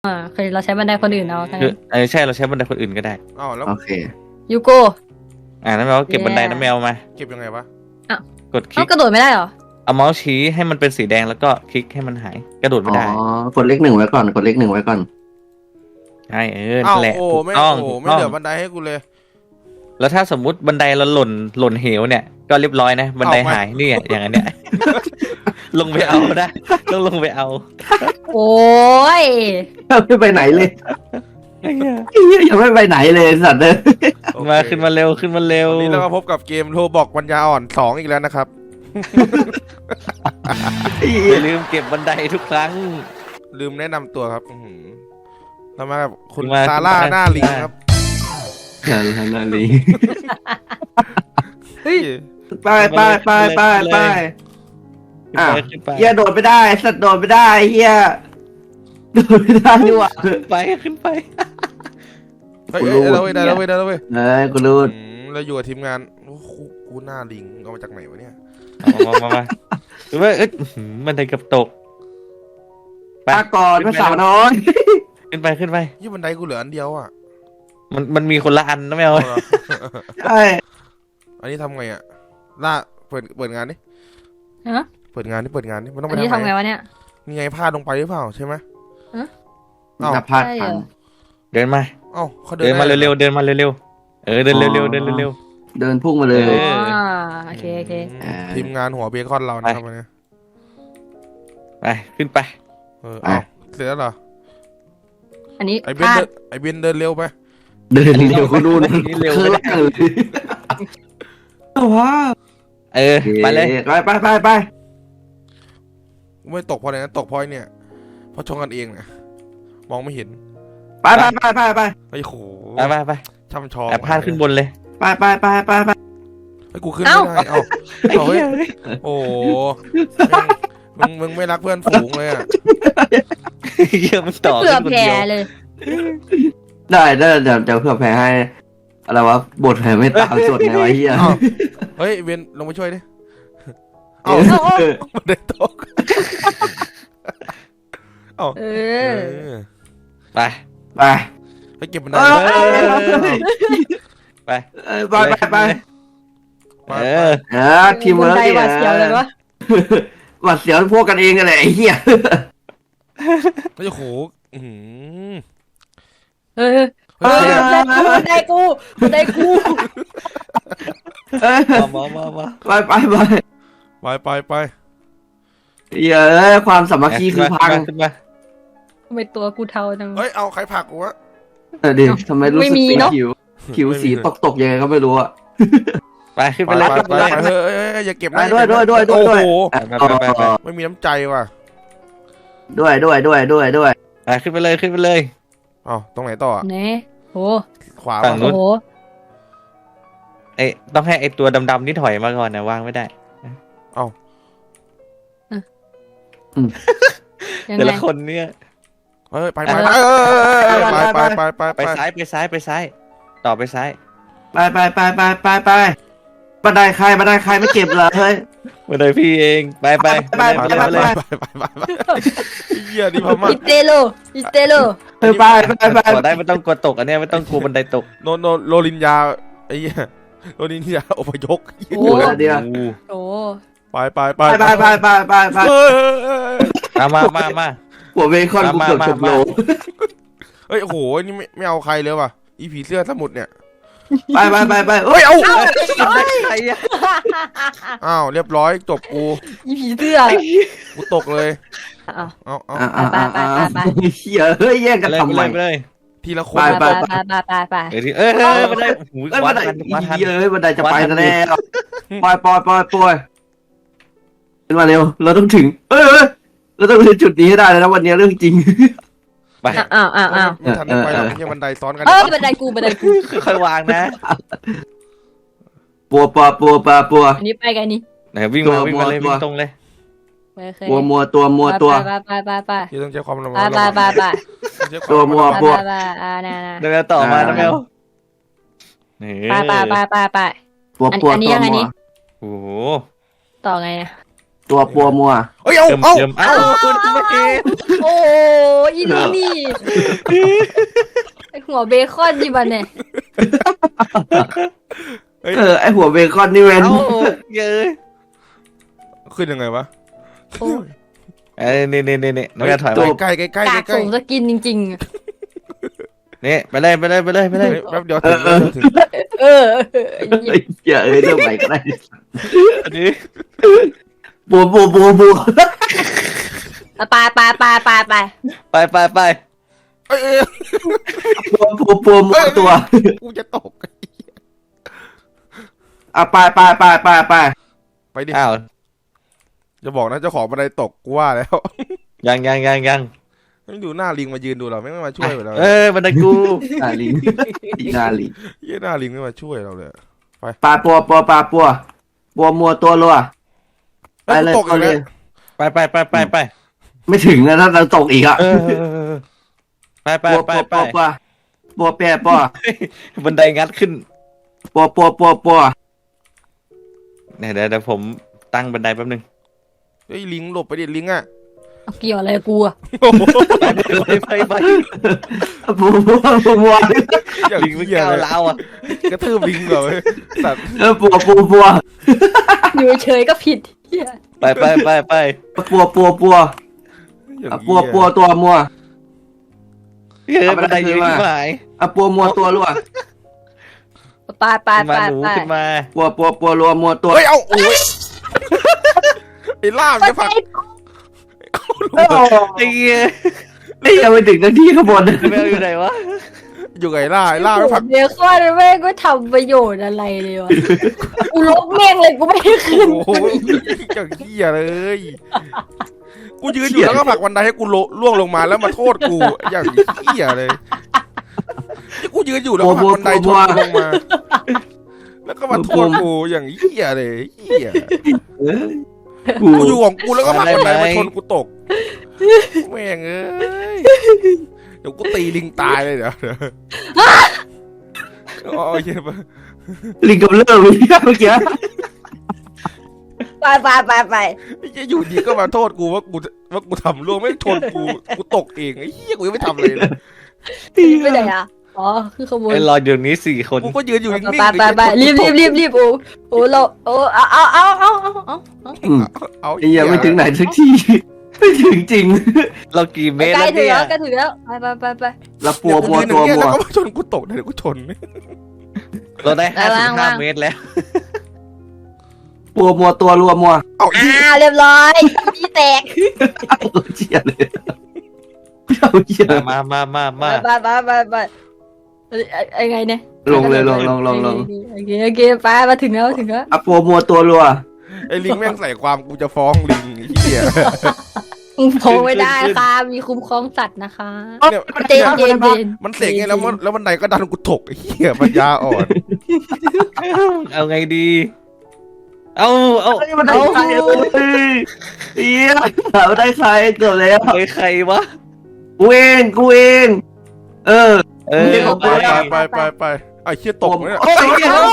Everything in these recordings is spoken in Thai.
คือเราใช้บันไดคนอื่นเอาทั้งคืนั้อน ใช่เราใช้บันไดคนอื่นก็ได้อ้าวแล้วโอเคยูโกน้ำแมวเก็บบันไดน้ำแมวมาเก็บยังไงวะกดคลิเขากกระโดดไม่ได้เหรอเอาเมาส์ชี้ให้มันเป็นสีแดงแล้วก็คลิกให้มันหายกระโดดไม่อ๋อได้กดเลขหนึ่งไว้ก่อนกดเลขหนึ่งไว้ก่อนใช่อ้าวนั่นแหละโอ้ถูกไม่ต้องโอ้ถูกไม่ต้องเหลือบันไดให้กูเลยแล้วถ้าสมมุติบันไดเราหล่นเหวเนี่ยก็เรียบร้อยนะบันไดหายนี่อย่างนั้นเนี่ย ลงไปเอาได้ต้องลงไปเอาโอ้ยไม่ไปไหนเลยไอ้เหี้ยเหี้ยยังไม่ไปไหนเลยสัตว์เลยโอเคมาขึ้นมาเร็วขึ้นมาเร็ววันนี้เราก็พบกับเกมโรบอกปัญญาอ่อน2อีกแล้วนะครับอย่าลืมเก็บบันไดทุกครั้งลืมแนะนำตัวครับอื้อหือเรามากับคุณมาซาร่าคุณหน้าลิงครับนาลีเฮ้ยไปไปไปไปไปขึ้นอ่ะไปขึ้นไปเฮียโดดไม่ได้สัตว์โดดไม่ได้เฮียโดดไม่ได้นี่หว่าขึ้นไปขึ้นไปเฮ้ยเอ้ยเราเว้ยได้แล้วเว้ยได้แล้วเว้ยเอ้ยกูรู้เราอยู่กับทีมงานโอ้โหกูหน้าลิงเอามาจากไหนวะเนี่ยมาหรือว่าบันไดกับตกไปปาก่อนภาษาวน้อยขึ้นไปขึ้นไปยี่บันไดกูเหลืออันเดียวอ่ะมันมีคนละอันนะแมวเอาเหรอใช่อันนี้ทำไงอ่ะล่าเปิดงานดิฮะเปิดงานดิมันต้องอัไปนนี้ทำทำไงไงวะเนี่ยมีไงพลาดลงไปหรือเปล่าใช่ไหม เอ้านับพลาดใช่พันเหรอเดินมาเอ้าเขาเดินมาได้เร็วๆเดินมาเร็วๆเดินเร็วๆเดินเร็วเดินพุ่งมาเลยเออ๋อโอเคโอเคทีมงานหัวเบคอนเรานะครับวันนี้ๆไปขึ้นไปเอ้าเสร็จแล้วเหรออันนี้ไอ้เบพนลาดไอ้เบนเดินเร็วไปเดินเร็วคุณนู่นนี่เร็วคือไม่ได้ล่างเลยว้าวไปเลยไปไปไปไปไม่ตกเพราะอะไรนะตกเพราะไอ้เนี่ยเพราะชงกันเองนะมองไม่เห็นไปไปไปไปไปไอ้โหไปช่ำชองแอบพลาดขึ้นบนเลยไปไปไปไปไปไอ้กูขึ้นไม่ได้เอ้าไอ้เหี้ยโอ้โหมึงไม่รักเพื่อนฝูงเลยอ่ะเหี้ยมันต่อเผื่อขึ้นคนแผ่เดียวเลยได้เดี๋ยวเพื่อแพ้ให้อะไรวะบทแพ้ไม่ตามสดไงวะเฮียเอ้าเฮ้ยเบนลงมาช่วยดิเอ้าเออมันได้ตกเอ้าเอเอออไปไปไปเก็บมันได้ไปไปไปไปเออทีมเวิร์กบันไดหวาดเสียวเลยวะหวัดเสียวพวกกันเองกันเลยไอ้เหี้ยไอ้โหอื้อหือเออบันไดกูบันไดกูมาไปไปไปไปเหี้ยความสามัคคีคือพังขึ้นมาทำไมตัวกูเทาจังเฮ้ยเอาใครผลักกูวะดิทำไมรู้สึกไม่มีสีเนอะผิวสีตกยังไงก็ไม่รู้อะไปขึ้นไปไปเลยเฮ้ยอย่าเก็บนะด้วยโอ้โหไปไม่มีน้ำใจว่ะด้วยไปขึ้นไปเลยขึ้นไปเลยอ๋อตรงไหนต่อไหนโหขวาฝั่งนู้โอ้นโหต้องให้ไอตัวดำๆนี่ถอยมาก่อนนะวางไม่ได้ยังแต่ไงละคนเนี่ยเฮ้ยไปไปไปซ้ายไปซ้ายต่อไปซ้ายไปบันไดใครไม่เก็บเหรอเฮ้ยมาเลยพี่เองไปไปเหี้ยดิพม่าอิเตโลอิเตโลไปกดได้ไม่ต้องกดตกอันเนี้ยไม่ต้องกลัวบันไดตกโรลินยาไอ้เหี้ยโรลินยาอพยพโอ้เดียวโหไปไปมาหัวเบคอนกูเกือบจบโลเฮ้ยโอ้โหนี่ไม่เอาใครเลยว่ะอีผีเสื้อสมุดเนี่ยไปเฮ้ยเอาใครอะอ้าวเรียบร้อยจบกูอีผีเสื้อกูตกเลยอ้าวเอาเฮียเฮ้ยแย่งกันทำไมไปเลยทีละคนไปบันไดหูเอ้ยขวาบันไดทันขวาทันเฮ้ยบันไดจะไปแล้วปล่อยขึ้นมาเร็วเราต้องถึงเราต้องถึงจุดนี้ให้ได้แล้วนะวันนี้เรื่องจริงไปอ้าวไม่ทันไปหรอกยังบันไดซ้อนกันบันไดกูค่อยๆวางนะปัวอันนี้ไปกันนี่ไหนวิ่งมาเลยวิ่งตรงเลยมัวตัวไปที่ต้องใช้ความระมัดไปตัวมัวน่ะเดี๋ยวต่อมานะแมวนี่ไปปัวอันนี้ยังไงนี่โอ้โหต่อไงนะตัวปัวมัวเอ้ยเอาเติมเอาเติมเอ้าคุณไม่เห็นโอ้อีนี่ไอหัวเบคอนดิบันเนี่ยไอหัวเบคอนนี่เว้นเอ้าเยอะขึ้นยังไงวะโอ้นี่น้องจะถอยใกมาล้ใกล้ใกล้ใกล้กากใกล้ส่งสกินจริงนี่ไปเลยแป๊บเดียวถึงๆ เอออย่าเรื่องใหม่ก็ได้อันนี้ปัวไปไปเอ้ยปัวมัวตัวกูจะตกไปไปดิอ้าวจะบอกนะเจ้าของบันไดตกกูว่าแล้วยังไม่ดูหน้าลิงมายืนดูเราไม่มาช่วยเราบันไดกูนาลิงนาลิงเยี่ยหน้าลิงไม่มาช่วยเราเลยปลาปัวมัวตัวรัวไปเลยตกอีกแล้วไปไม่ถึงนะถ้าเราตกอีกอ่ะไปปัวแปะปัวบันไดงัดขึ้นปัวเดี๋ยวผมตั้งบันไดแป๊บนึงเฮ้ยลิงหลบไปดิลิงอ่ะเอาเกี่ยวอะไรกูอะไปปัวลิงไม่ก้าวล้าวอ่ะกระทืบลิงเหรอสัตว์ปัวอยู่เฉยก็ผิดเหี้ยไปปัวตัวมัวบันไดยืนที่หมายปัวมัวตัวรัวไปมาหนูขึ้นมาปัวรัวมัวตัวเฮ้ยเอาโอ้ยไอ้ล่ามจะผลักไอ้เงี้ยไม่ยังไม่ถึงนาทีข้างบนแมวอยู่ไหนวะอยู่ไงล่าไอ้ล่าหัไม่วผลักเบคอนแม่งก็ทำประโยชน์อะไรเลยวะกูลบแม่งเลยกูไม่ได้ขึ้นโอ้ยอย่างเหี้ยเลยกูยืนอยู่แล้วก็ผลักวันไดให้กูล่วงลงมาแล้วมาโทษกูอย่างเหี้ยเลยกูยืนอยู่แล้วก็ผลักวันไดชนกูลงมาแล้วก็มาโทษกูอย่างเหี้ยเลยเหี้ยกูกูอยู่ของกูแล้วก็ผลักบันไดมาชนกูตกแม่งเอ้ยเดี๋ยวกูตีลิงตายเลยเดี๋ยวอ๋อเหี้ยลิงกับเลิกเมื่อกี้ไปไอ้เหี้ยอยู่ดีก็มาโทษกูว่ากูทำล่วงไม่ชนกูตกเองไอ้เหี้ยกูยังไม่ทำเลยไปไหนอ่ะอ๋อคือขโมยไอ้รออยู่นี้4 คนกูก็ยืนอยู่นิ่งไปรีบโอ้เราโอ้เอาเอาไอ้ยังไม่ถึงไหนสักทีไม่ถึงจริงเรากี่เมตรใกล้แล้วถึงเนี่ยแล้วใกล้ถึงแล้วไปแล้วปัวกูยืนอตัวย่างเงี้ยมัแล้ว วก็มาชนกูตกเดี๋ยวกูชนเราได้55 เมตรแล้วปัวมัวตัวรัวมัวเอาอีเรียบร้อยพี่แตกเชี่ยเลยเชี่ยมาไปไงเนี่ยลงเลยลงโอเคไปมาถึงแล้วปัวมัวตัวรัวไอ้ลิงแม่งใส่ความกูจะฟ้องลิงไอ้เหี้ยโผล่ไม่ได้ค่ะมีคุ้มครองสัตว์นะคะเนี่ยเจนมันเสกไงแล้วบันไดก็ดันกูตกไอ้เหี้ยปัญญาอ่อนเอาไงดี เอามันได้ใครเฮียมันได้ใครเกือบแล้วใครวะกูเองไปไปไอ้เหี้ยตกเนี่ยโอ้ย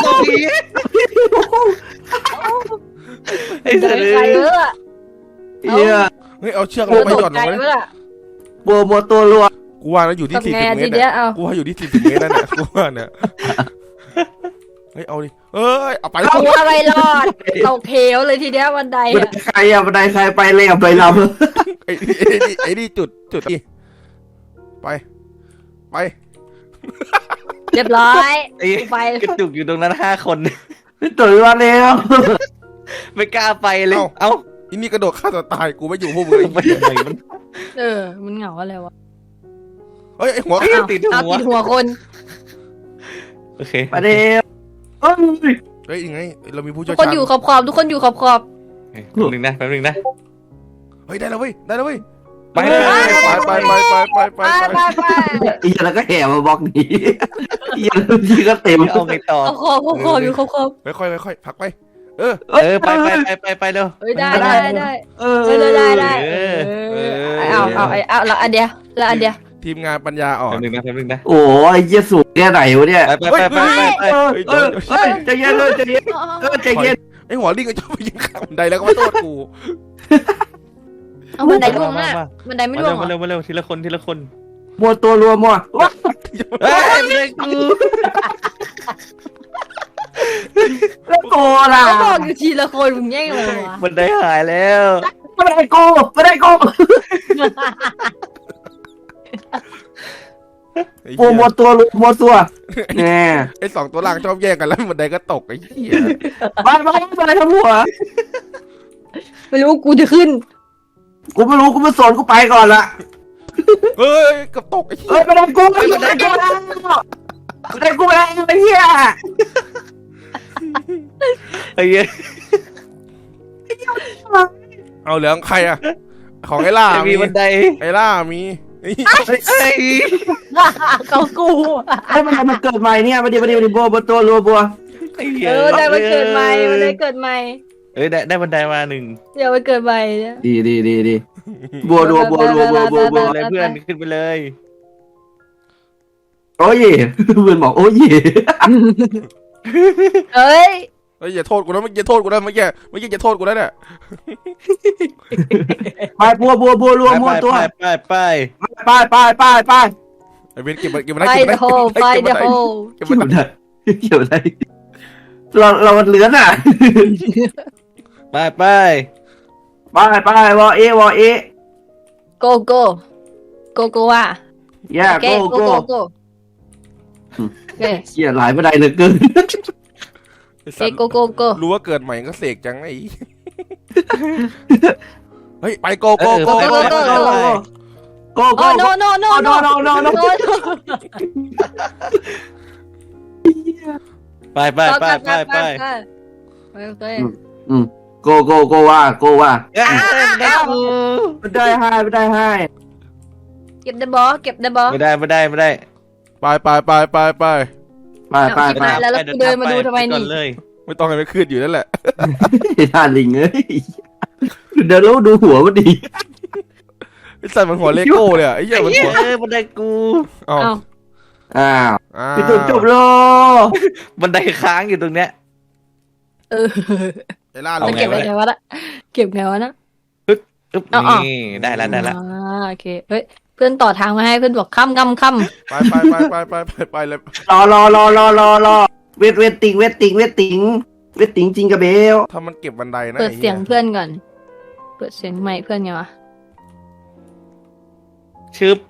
ไอ้สัตว์ใครเออเฮียเฮ้ยเอาเชือกลงไปหย่อนลงไปปัวมัวตัวรัวกูว่าแล้วอยู่ที่40 เมตรเนี่ยกูว่าอยู่ที่40 เมตรนั่นแหละกูว่าเนี่ยเฮ้ยเอาดิเอ้ยเอาไปเอาอะไรรอดตกเหวเลยทีเดียวบันไดมันได้ใครอ่ะมันได้ใครไปเลยอ่ะไปลำไอ้นี่จุดนี่ไปเรียบร้อยไอ้ไปกระจุกอยู่ตรงนั้น5 คนไม่ตื่นมาแล้วไม่กล้าไปเลย เอ้าอีนี่กระโดดฆ่าตัวตายกูไม่อยู่พวกมึงไปยังไงมันมันเหงาอะไรวะเฮ้ยไอ้หัวติดเอาหัวติดหัวคนโอเคไปเร็วเฮ้ยยังไงเรามีผู้ทุเชี่กยวคนชาญอยู่ขอบทุกคนอยู่ขอบแป๊บนึงนะเฮ้ยได้แล้วเว้ยไปไปอีแล้วก็แห่มาบล็อกนี้อีแล้วทีก็เต็มเอาไงต่อขอบอยู่ขอบค่อยพักไปไปเร็วเฮ้ยได้ได้ได้เออเอาแล้วอันเดียวทีมงานปัญญาอ่อนแป๊บนึงนะโอ้ยเยี่ยสูงแค่ไหนวะเนี่ยไปใจเย็นเลยใจเย็นใจเย็นไอ้หัวลิงก็ชอบไปยืนข้างบันไดแล้วก็มาโทษกูเอาบันไดล่วงอ่ะบันไดไม่ล่วงมาเหรเร็อวมาเร็วทีละคนทีละคนมัวตัวรัวมัวว้าเฮ้ยบันไดกูแล้วโกล่ะเขาบอกอยู่ทีละคนมึงแย่งเลยวะบันไดหายแล้วไม่ได้โกไม่ได้โกไอ้มัวเหี้ยมัวตัวรัวมัวตัวแน่ไอ้สองตัวล่างชอบแย่งกันแล้วบันไดก็ตกไอ้เหี้ยไม่ได้ทั้งหัวไม่รู้กูจะขึ้นกูไม่รู้กูไม่สนกูไปก่อนละเฮ้ยเกับตกไอ้เหี้เอ้ยยไม่ได้กูไม่ได้กูไม่ได้ไม่ได้กูไม่ได้ไอ้เหี้ยไอ้เหี้ยเอาเหลืองใครอะของไอ้ล่าไม่มีมีบันไดไอ้ล่ามีไอ้เฮ้ยเขากูไอ้มันเกิดใหม่เนี่ยมาดิบัวตัวรัวบัวไอ้เหี้ยได้มันเกิดใหม่มันได้เกิดใหม่เอ้ยได้บันไดมาหนึ่งเดี๋ยวมันเกิดใหม่เนี่ยดีบัวรัวเลยเพื่อนขึ้นไปเลยโอ้ยเพื่อนบอกโอ้ยเอ้ยเฮ้ยอย่าโทษกูนะเมื่อกี้โทษกูนะเมื่อกี้จะโทษกูแล้วเนี่ยไปบัวรัวมัวตัวไปไปไอ้เบนเก็บมันไฟเดอะโฮไฟเดอะโฮเก็บมันเกี่ยวอะไรเราเหลือน่ะไปไปวอเอโกโก้โกว่าย่าโอเคโกโกโอเคเขี่ยหลายบันไดเหลือเกินไอ้สัตว์โกรู้ว่าเกิดใหม่ก็เสกจังไอ้เฮ้ยไปโกโกโอ้ no ไปโอเคโกว่าได้กูไม่ได้ให้เก็บเดบอเก็บเดบอไม่ได้ไปแล้วกูเดินมาดูทำไมนี่เลยไม่ต้องให้มันขึ้นอยู่นั่นแหละท่าลิงเอ้ยเดี๋ยวเราดูหัวมันดีไอ้สัตว์มันหัวเลโก้เลยอ่ะไอ้เหี้ยมันหัวบันไดกูอ้าวอ้าวอ้าวพี่ตุ่นจบโลบันไดค้างอยู่ตรงเนี้ยไอ้ล่าลเรางเก็บไงไงวะนะเก็บไงวะนะอึ๊บอ๋อนี่ได้แล้วโอเคเฮ้ยเพื่อนต่อทางมาให้เพื่อนบอกค่ำไปเลยรอเวทติงจริงกับเบลถ้ามันเก็บบันไดนะเปิดเสียงเพื่อนก่อนเปิดเสียงใหม่เพื่อนไงวะชึบ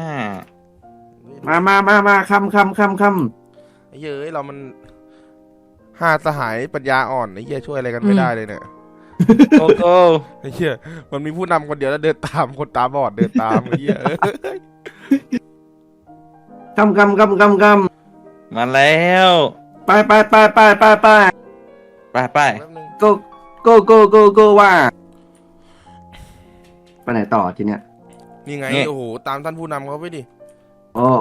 มาคำไอ้เหี้ยเรามันห้าสหายปัญญาอ่อนไอ้เหี้ยช่วยอะไรกันไม่ได้เลยเนี่ยโกโก้ไอ้เหี้ยมันมีผู้นำคนเดียวแล้วเดินตามคนตาบอดเดินตามไอ้เหี้ยคำมาแล้วไปไปแป๊บนึงโกว่าไปไหนต่อทีเนี้ยนี่ไงโอ้โหตามท่านผู้นำเขาไปดิโอ้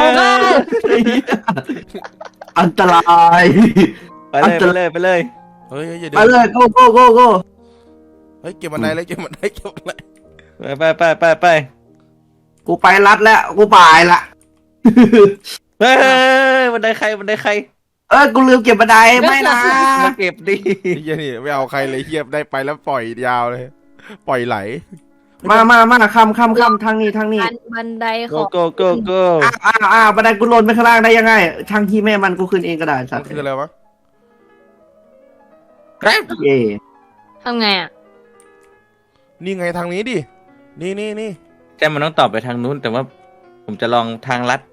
อันตรายไปเลยเฮ้ยอย่าเดิไปเลยโกเฮ้ยเก็บบันไดเลยเก็บบันไดไปกูไปรัดแล้วกูไปละเฮ้ยบันไดใครกูลืมเก็บบันไดไม่นะมาเก็บดิไอ้เหี้ยนี่ไม่เอาใครเลยเหี้ยได้ไปแล้วปล่อยยาวเลยปล่อยไหลมาคำทางนี้บันไดโกของโก้บันไดกูหล่นไปข้างล่างได้ยังไงทางที่แม่มันกูขึ้นเองก็ได้สัมัตนว์คืออะไรวะเย่ทำไงอ่ะนี่ไงทางนี้ดินี่ใช่มันต้องตอบไปทางนู้น แต่ว่าผมจะลองทางลัด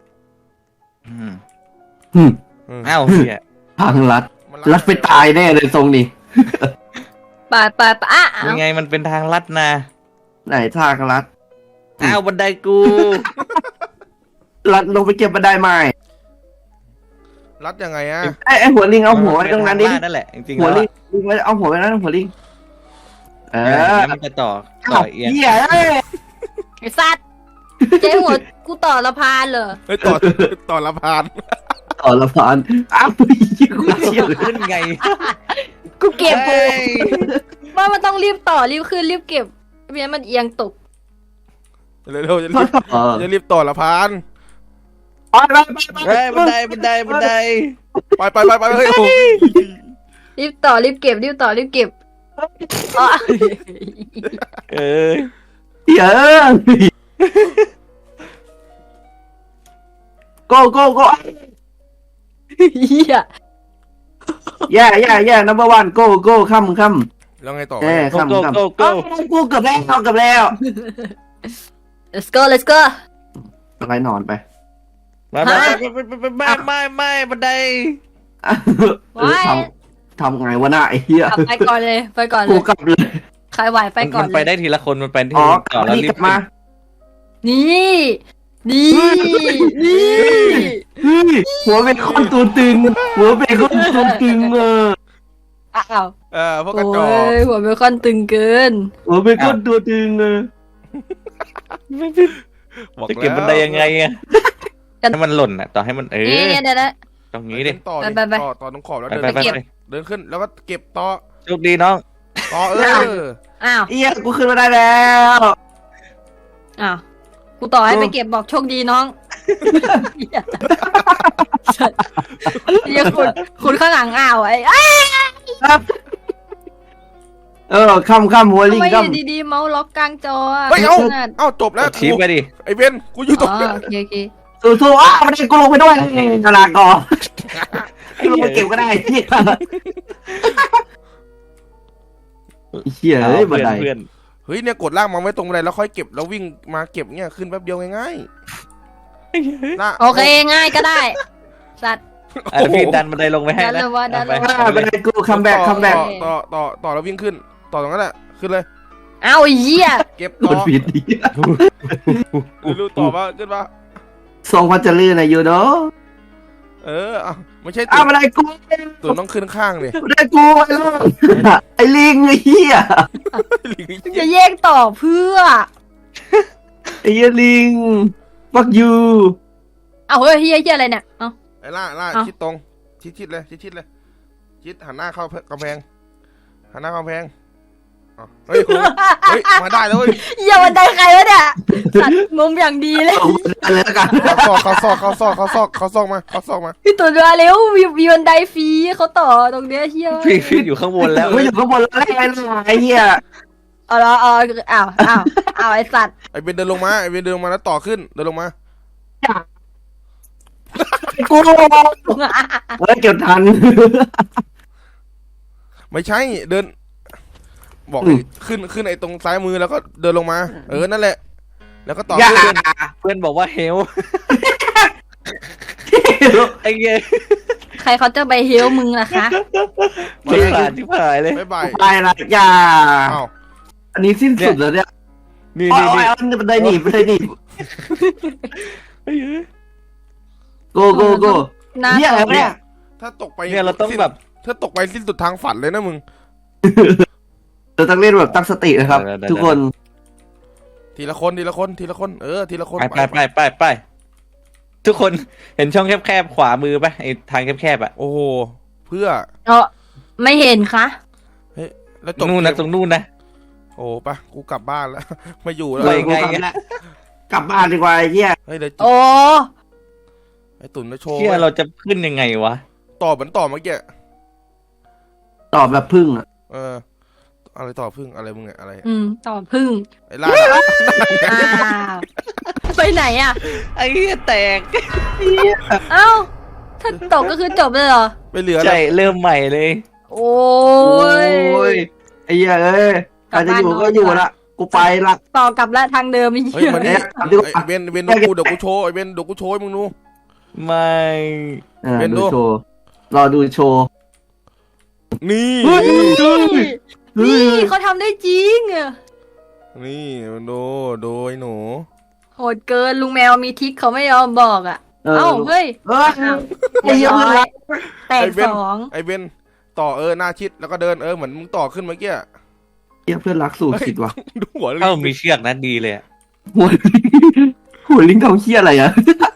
อ้าวเฮียทางลัดไปตายแน่เลยทรงนี้ไปอ่ะยังไงมันเป็นทางลัดนะไหนทางลัดอ้าวบันไดกูลัดลงไปเก็บบันไดใหม่รัดยังไงอะไอ้หัวลิงเอาหัวไว้ตรงนั้นดินั่นแหละจริงๆหัวแล้วลิงไว้เอาหัวไว้นั่นหัวลิงมันจะต่อเอียงเหี้ยไอ้สัตว์เจ๊หัวกูต่อละพานเหรอเฮ้ยต่อละพานต่อละพานอ้าวกูเชี่ยวขึ้นไงกูเก็บเฮ้ยว่ามันต้องรีบต่อรีบขึ้นรีบเก็บไม่งั้นมันเอียงตกเร็วๆจะรีบต่อละพานเฮ้ยบันไดไปเฮ้ยโอ้รีบต่อรีบเก็บรีบต่อรีบเก็บอ๋อเอ้ยเหี้ยโก้โก้โก้เหี้ยแย่number one go ค่ำแล้วไงต่อเอ้ยโก้ค่ำโก้ค่ำโก้โก้กูเกือบแล้ว let's go let's go อะไรนอนไปมาไม่บันไดทำไงวะน่ะไอ้เหี้ยกลับไปก่อนเลยไปก่อนเลกูยกลับเลยใครไหวไปก่อนมันเลไปยได้ทีละคนมันไปที่อ๋อต่อแล้วนี่รีกบลับมานี่นี่เฮ้ยหัวเป็นคนตัวตึงอ้าวพวกกระจอกโอ้ยหัวเบคอนตึงเกินหัวเป็นคนตัวตึงบอกจะเก็บบันไดยังไงอะให้มันหล่นอ่ะต่อให้มันนี่เดี๋ยวนะตรงนี้ดิต่อไปต่อตรงขอบแล้วไปเดินไปเดินขึ้นแล้วก็เก็บต่อโชคดีน้องต่ออ้าวเหี้ยกูขึ้นมาได้แล้วอ้าวกูต่อให้ไปเก็บบอกโชคดีน้องเดี๋ยวคุณข้างหลังอ้าวไอ้ค่ำหัวลิทำงไมอค่ำยู่ดีๆเมาส์ล็อกกลางจอเฮ้ยเอ้าจบแล้วทีไปดิไอ้เบนกูอยู่ตรงโอเคสู้มันได้กูลงไปด้วยกระดาษก่อนลงไปเก็บก็ได้เหี้ยเฮ้ยบันไดเพื่อนเฮ้ยเนี่ยกดล่างมาไว้ตรงบันไดแล้วค่อยเก็บแล้ววิ่งมาเก็บเนี่ยขึ้นแป๊บเดียวง่ายๆโอเคง่ายก็ได้สัตว์พี่ดันบันไดลงไปให้ดันนะเลยว่าดันเลยบันไดกูคัมแบ็กต่อแล้ววิ่งขึ้นต่อตรงนั้นแหละขึ้นเลยเอาไอ้เหี้ยเก็บกต่อดผิดดิรู้ต่อว่าขึ้นมาทรงพัชรีนะยูโดไม่ใช่บันไดกูตัวต้องขึ้นข้างเลยบันไดกูไอ้ลิงไอ้เหี้ยจะแยกต่อเพื่อไอ้ลิงฟักยูเอาเฮ้ยเหี้ยอะไรเนี่ยเอาไอ้ล่าชิดตรงชิดเลยชิดเลยชิดหันหน้าเข้ากำแพงหันหน้ากำแพงเฮ้ยมาได้แล้วเว้ยอย่าบันไดใครวะเนี่ยสัตว์มุมอย่างดีเลยอะไรแล้วกันเขาซอกมาพี่ตัวเรือเร็วมีบันไดฟรีเขาต่อตรงเนี้ยเหี้ยพี่อยู่ข้างบนแล้วไม่อยู่ข้างบนแล้วไอ้เหี้ยเอาละเอาไอ้สัตว์ไอ้เบนเดินลงมาแล้วต่อขึ้นเดินลงมากูเฮ้ยเก็บทันไม่ใช่เดิน บอกขึ้นไอ้ตรงซ้ายมือแล้วก็เดินลงมานั่นแหละแล้วก็ต่อเพื่อนบอกว่าเฮลไอ้เงี้ยใครเขาจะไปเฮลมึงล่ะคะไม่ผ่านที่ผ่านเลยบ๊ายบายไปละอย่าอ้าวอันนี้สิ้นสุดแล้วเนี่ยนี่อ๋อบันไดหนีโกเนี่ยอะไรเนี่ยถ้าตกไปเนี่ยเราต้องแบบถ้าตกไปสิ้นสุดทางฝันเลยนะมึงเราต้องเล่นแบบตั้งสตินะครับ ทุกคนทีละคนทีละคนทีละคนไปทุกคนเห็นช่องแคบๆขวามือป่ะไอ้ทางแคบๆอ่ะโอ้โหเพื่อไม่เห็นคะแล้วจบนู่นนะตรงนู่นนะโอ้ปะกูกลับบ้านแล้ว ไม่อยู่แล้วไปไงกลับบ้านดีกว่าไอ้เหี้ยเฮ้ยเดี๋ยวโอ้ไอ้ตุ่นจะโชว์เชื่อเราจะขึ้นยังไงวะต่อเหมือนต่อเมื่อกี้ตอบแบบพึ่งอ่ะอะไรต่อพึ่งอะไรมึงเนี่ยอะไรต่อพึ่งไอ้ล่าอ้าวไปไหนอ่ะไอ้เหี้ยแตกเอ้าถ้าตกก็คือจบเลยเหรอไม่เหลือใช่เริ่มใหม่เลยโอ้ยไอ้เหี้ยใครจะอยู่ก็อยู่ละกูไปละต่อกลับละทางเดิมไอ้เฮ้ยเหี้ยมานี่ไอ้เบนเดี๋ยวกูโชว์ไอ้เบนเดี๋ยวกูโชว์ให้มึงดูไม่ดูโชว์รอดูโชว์นี่นี่เขาทำได้จริงอะนี่ดูไอ้หนูโหดเกินลุงแมวมีทริคเขาไม่ยอมบอกอ่ะเอ้าเฮ้ยไอ้เหี้ยแตกสองไอ้เบนต่อหน้าชิดแล้วก็เดินเหมือนมึงต่อขึ้นเมื่อกี้เหี้ยเพื่อนรักสู่ขิดว่ะดูหัวเลยเอ้ามีเชือกนะดีเลยอะหัวลิงเขาเหี้ยอะไรอ่ะ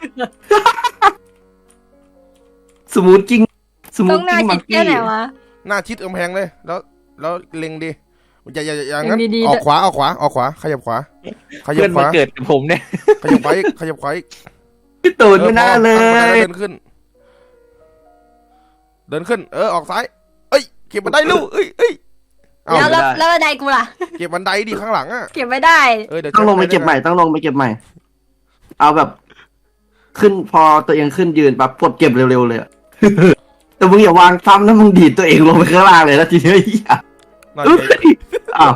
สมูทกิ้งสมูต้อทงหน้ากิ้งชิมัดงแค่กี้ไหนวะหน้าชิดกำแพงเลยแล้วเล็งดิอย่างั้นดีๆออกขวาขยับขวาเพื่อนมาเกิดกับผมเนี่ยขยับขวาอีกพี่ตูนไม่น่าเลยเดินขึ้น ออกซ้าย เอ้ย แก็บบันไดลูกเอ้ยเอาแล้วบันไดกูล่ะเก็บบันไดดิข้างหลังอ่ะเก็บไม่ได้เดี๋ยวต้องลงไปเก็บใหม่ต้องลงไปเก็บใหม่ เอาแบบ ขึ้นพอตัวเองขึ้นยืนปั๊บกดเก็บเร็วๆเลยอะ แต่มึงอย่าวางซ้ำนะมึงดีดตัวเองลงไปข้างล่างเลยนะทีนี้ไอ้เหี้ยนั่นเอ้ไงยอ้าว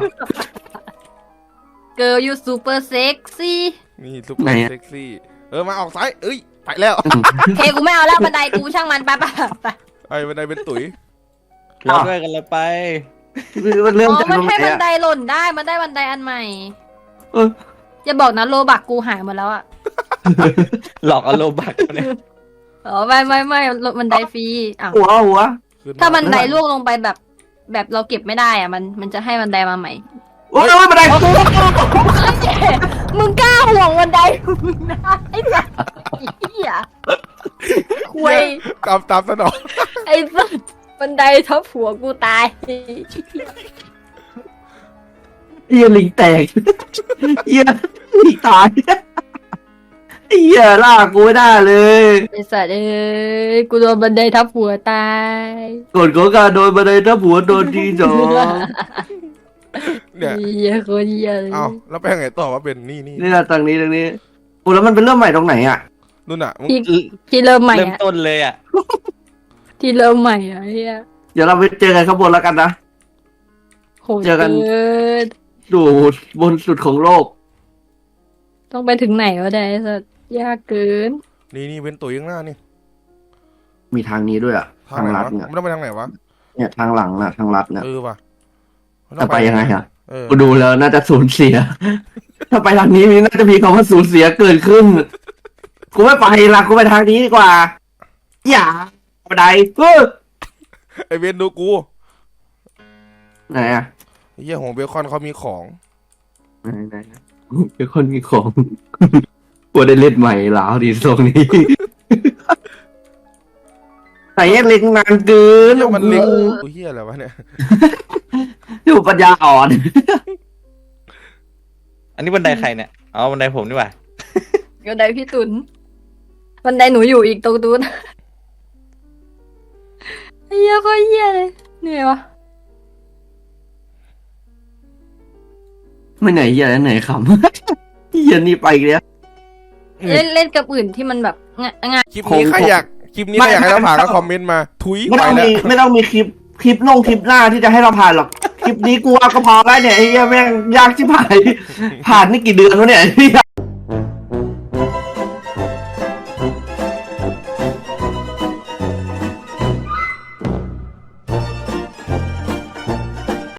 Girl you super sexy นี่ซุปเปอร์เซ็กซี่มาออกซ้ายเอ้ยไปแล้วเคกูไม่เอาแล้วบันไดกูช่างมันไปไอ้บันไดเป็นตุ๋ยเราด้วยกันเราไปมันอ๋เริ่มอจากมันตรงไหนให้บันอะไดหล่นได้มันได้บันไดอันใหม่เอออย่าบอกนะโลบักกูหายหมดแล้วอ่ะหลอกเอาโลบักเนี่ยอ๋อไม่บันไดฟรีอ้าวหัวถ้าบันไดล่วงลงไปแบบเราเก็บไม่ได้อ่ะมันจะให้บันไดมาใหม่โอ้ยบันไดมึงกล้าห่วงบันไดมึงนะไอ้สัสเหี้ยคุยตามสนองไอ้สัสบันไดทับหัวกูตายเหี้ยลิงแตกเหี้ยลิงตายเหี้ยลากกูไม่ได้เลยไอ้สัสกูโดนบันไดทับหัวตายกดของการโดนบันไดทับหัวโดนทีสองเนี่ยเหี้ยโคตรเหี้ยเลยเอาแล้วไปยังไงต่อว่าเป็นนี่นี่นะตรงนี้โอ้แล้วมันเป็นเรื่องใหม่ตรงไหนอ่ะนู่นอ่ะมึงที่เริ่มใหม่เริ่มอะต้นเลยอ่ะที่เริ่มใหม่อะเฮียเดี๋ยวเราไปเจอกันข้างบนแล้วกันนะโหดเจอกันเกินดูบนสุดของโลกต้องไปถึงไหนวะเนี่ยไอ้สัสยากเกินนี่เป็นตุ๋ยข้างหน้านี่มีทางนี้ด้วยอ่ะทาทาง งไหนลัดวะเนี่ยมันต้องไปทางไหนวะเนี่ยทางหลังน่ะทางลัดเนี่ยว่ะจะไปยังไงอ่ะเออกูดูแล้วน่าจะสูญเสีย ถ้าไปทางนี้น่าจะมีคำว่าสูญเสียเกิดขึ้น กูไม่ไปละกูไปทางนี้ดีกว่า อย่าบันไดไอเวนดูกูไหนอ่ะไอ้เหี้ยของเบคอนเขามีของไหนเป็นคนมีของกูได้เล่นใหม่แล้วดีตรงนี้ ใส่เล็กนานเกินเหี้ยมันเล็กตัวเหี้ยอะไรวะเนี่ยดูปัญญาอ่อนอันนี้บันไดใครเนี่ยอ๋อบันไดผมนี่หว่าบันไดพี่ตุนบันไดหนูอยู่อีกตรงตูนเฮียโคตรเฮียเลยเหนื่อยวะไม่ไหนเหี้ยอะไหนขำ เหี้ยนี่ไปอีกแล้วเล่นกับอื่นที่มันแบบง่ายคลิปนี้ใครอยากให้เราผ่านก็คอมเมนต์มาทุยไม่ไปต้องแล้วมีไม่ต้องมีคลิปคลิปหน้าที่จะให้เราผ่านหรอก คลิปนี้กูว่าก็พอแล้วเนี่ยไอ้เหี้ยแม่งยากชิบหาย ผ่านนี่กี่เดือนวะเนี่ย